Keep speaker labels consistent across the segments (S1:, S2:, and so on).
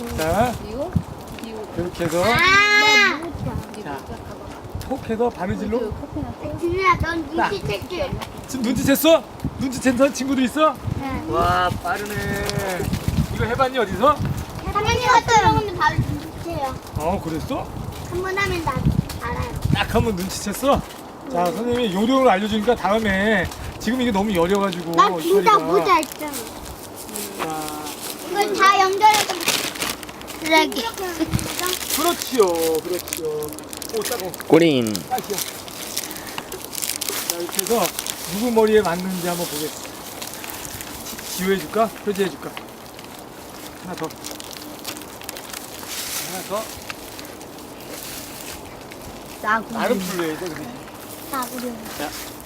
S1: 자, 이렇게 해서 자, 톡 해서 바느질로.
S2: 준우야, 넌 눈치챘지?
S1: 지금 눈치챘어? 눈치챈 친구도 있어?
S2: 네.
S1: 와, 빠르네. 이거 해봤니 어디서?
S2: 선생님 같은 경우는 바로 눈치채요.
S1: 그랬어?
S2: 한 번 하면 나 알아요.
S1: 딱 한번 눈치챘어? 자, 선생님이 요령을 알려주니까 다음에 지금 이게 너무 여려가지고
S2: 나 진짜
S1: 처리가.
S2: 모자 있잖아.
S1: 자,
S2: 이걸 다 연결해서 쓰레기.
S1: 그렇지요, 그렇지요. 오, 따고.
S3: 꼬린.
S1: 딱이요. 자, 이렇게 해서 누구 머리에 맞는지 한번 보겠습니다. 지우해줄까? 표지해줄까? 하나 더. 하나 더. 나름 불러야 돼, 그래.
S2: 나구려.
S1: 자.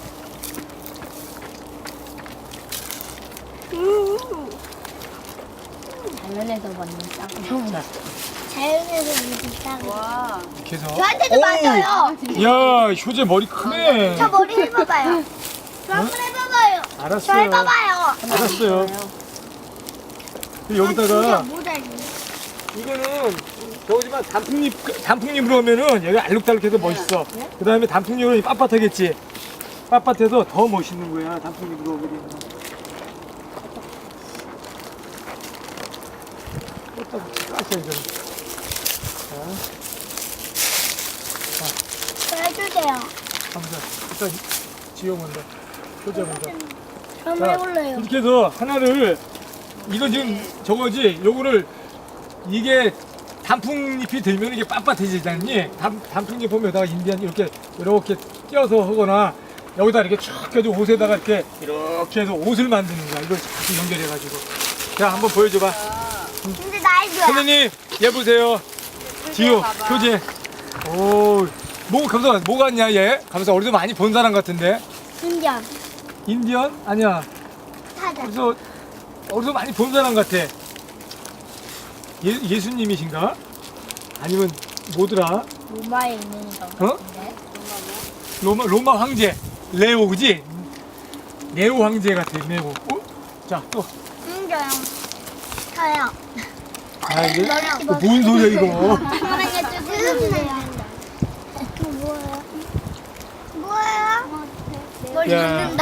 S2: 자연에서 맞는 짱구.
S1: 자,
S2: 자연에서 맞는 짱구.
S1: 이렇게 해서.
S2: 저한테도
S1: 오!
S2: 맞아요.
S1: 야, 효재 머리 크네.
S2: 저 머리 해봐봐요. 저 한번 해봐봐요. 저
S1: 알았어요.
S2: 해봐봐요.
S1: 알았어요. 여기다가
S2: 진짜 모자 있네.
S1: 이거는 저거지만 단풍잎으로 하면은 여기 알록달록해서 멋있어. 그 다음에 단풍잎으로 빳빳하겠지. 빳빳해서 더 멋있는 거야. 단풍잎으로 그리면. 까셔야죠.
S2: 저 해주세요.
S1: 가보자. 일단 지호 먼저. 효자 먼저.
S2: 한번 해볼래요.
S1: 이렇게 해서 하나를 이건 지금 저거지. 요거를 이게 단풍잎이 들면 이게 빳빳해지잖니. 단풍잎 보면 여기다가 인디안 이렇게 띄어서 하거나 여기다 이렇게 쭉 해서 옷에다가 이렇게 해서 옷을 만드는 거야. 이걸 자꾸 연결해가지고. 자, 한번 보여줘봐.
S2: 근데 나이 뭐야?
S1: 선생님, 얘 보세요. 지효, 효재. 오, 감사, 뭐 같냐, 얘? 감사, 어디서 많이 본 사람 같은데?
S2: 신기한.
S1: 인디언? 아니야.
S2: 사자.
S1: 어디서 많이 본 사람 같아. 예수님이신가? 아니면 뭐더라?
S2: 로마에 있는 거.
S1: 어? 로마 황제. 레오, 그지? 레오 황제 같아, 레오. 자, 또.
S2: 신기해요. 저요.
S1: 아, 이게? 뭔 소리야, 이거?
S2: 잠깐만요, 주세요. 그 뭐예요? 뭐예요? 뭘
S1: 야.
S2: 읽는다.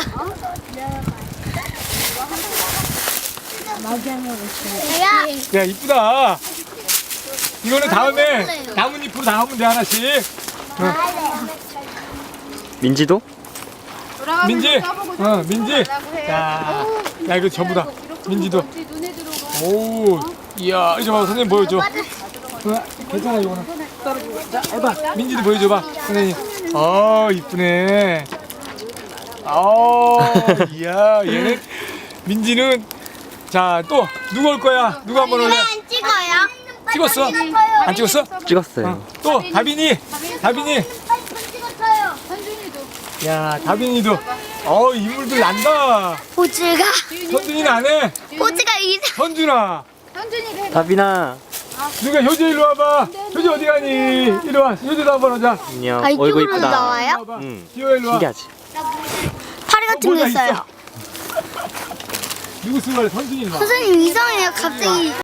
S2: 마지막으로 있어요.
S1: 야, 이쁘다. 이거는 다음에 나뭇잎으로 다 하면 돼, 하나씩.
S3: 민지도?
S1: 민지, 민지. 야, 이거 전부 다. 민지도. 오, 이야, 이제 봐, 선생님 보여줘. 괜찮아, 이거는. 자, 해봐. 민지도 보여줘봐, 선생님. 이쁘네. 이야, 얘는, 민지는, 자, 또, 누구 올 거야? 누구 한번 올래?
S2: 안 찍어요?
S1: 찍었어? 안 찍었어?
S3: 찍었어요.
S1: 또, 다빈이.
S2: 찍었어요.
S1: 야, 다빈이도. 인물들 난다.
S2: 포즈가
S1: 현준이는 안 해.
S2: 포즈가 이상.
S1: 현준아.
S3: 다빈아.
S1: 누가 효재 일로 와봐. 효재 어디 가니? 이리 와. 효재도 한번 하자.
S3: 안녕.
S2: 아,
S3: 얼굴
S2: 이쪽으로
S3: 이쁘다.
S2: 나와요?
S3: 응.
S1: 지호 일로 와.
S3: 신기하지?
S2: 파리 같은
S1: 뭐가
S2: 게 있어요.
S1: 있어? 누구 쓴 거야? 현준이 일로 와.
S2: 선생님 이상해요. 갑자기